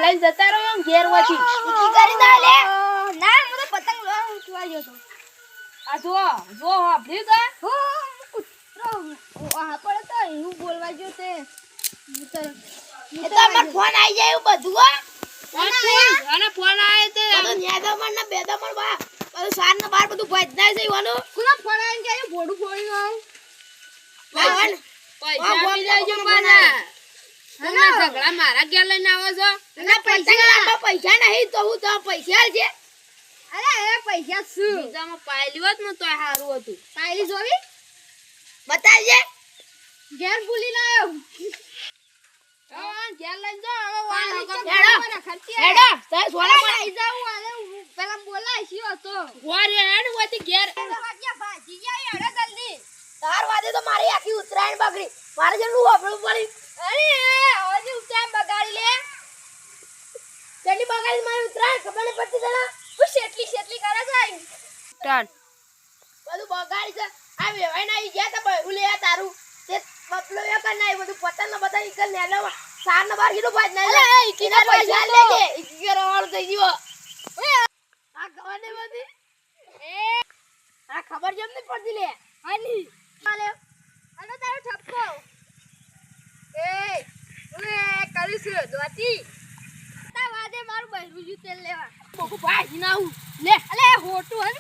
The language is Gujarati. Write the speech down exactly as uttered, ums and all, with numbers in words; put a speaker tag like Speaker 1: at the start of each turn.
Speaker 1: ખાઈ જતા રહો આમ ઘેર વાથી
Speaker 2: ઊંચી કરી દો લે ના મને પતંગ લો ઉઠવા ગયો તો
Speaker 1: આ જો જો આપડી તો
Speaker 2: હો કૂતરો આ પડે તો એવું બોલવા ગયો તે ઉતર એ તો અમાર ફોન આવી જાય એવું બધું હો
Speaker 1: અને ફોન આવે તે
Speaker 2: બધું ન્યાદમણ ને બેદમણ બા બધું સાર ને બાર બધું ભજનાય છે ઈવાનું કોના ફોન આવીને કે બોડું ફોડી આવ લાવન
Speaker 1: પૈસા આપી દેજો પાછા તમે ઝઘડા મારા ઘેર લઈને આવો છો
Speaker 2: અને પૈસા પૈસા નહીં તો હું તો પૈસા આલ છે અરે એ પૈસા શું
Speaker 1: બીજામાં પાયલી હોત ને તોય સારું હતું
Speaker 2: પાયલી જોવી બતાવજે ઘેર ભૂલી ના આવ્યો
Speaker 1: હા ઘેર લઈને જો હવે વાળો
Speaker 2: હેડો હેડો તે સોના પર આવી જાવ આલે પેલા બોલાય શી હતો
Speaker 1: ગોરે હેડ હોતી ઘેર
Speaker 2: વાગ્યા ભાજી જાય હેડો જલ્દી તાર વાદે તો મારી આખી ઉતરાયણ બગડી મારે જેટલું વાપરવું પડી અરે હજી ઉતરાયણ બગાડી લે કેટલી બગાડી મારી ઉતરાયણ ખબર નહીં પડતી તને હું શેટલી શેટલી કરે છે
Speaker 1: સ્ટાર્ટ
Speaker 2: બધું બગાડી છે આ વેવાઈ ના ઈ ગયા તો બહેરું લે તારું તે બપલો એ કર નાઈ બધું પતંગ ને બધા ઈકલ ને લે સાર ને બાર કીધું ભાજ ના લે ઈકી ના પૈસા લેજે ઈકી કે રવાળ થઈ ગયો ઓય આ ખબર નહીં બધી એ આ ખબર જેમ નહીં પડતી લે આની ચાલે અને તારો ઠપકો એ ઓય કરીશું દોતી તા વાદે મારું બહેરું જુ તેલ લેવા બોકુ ભાજી ના હું લે અલે હોટું હે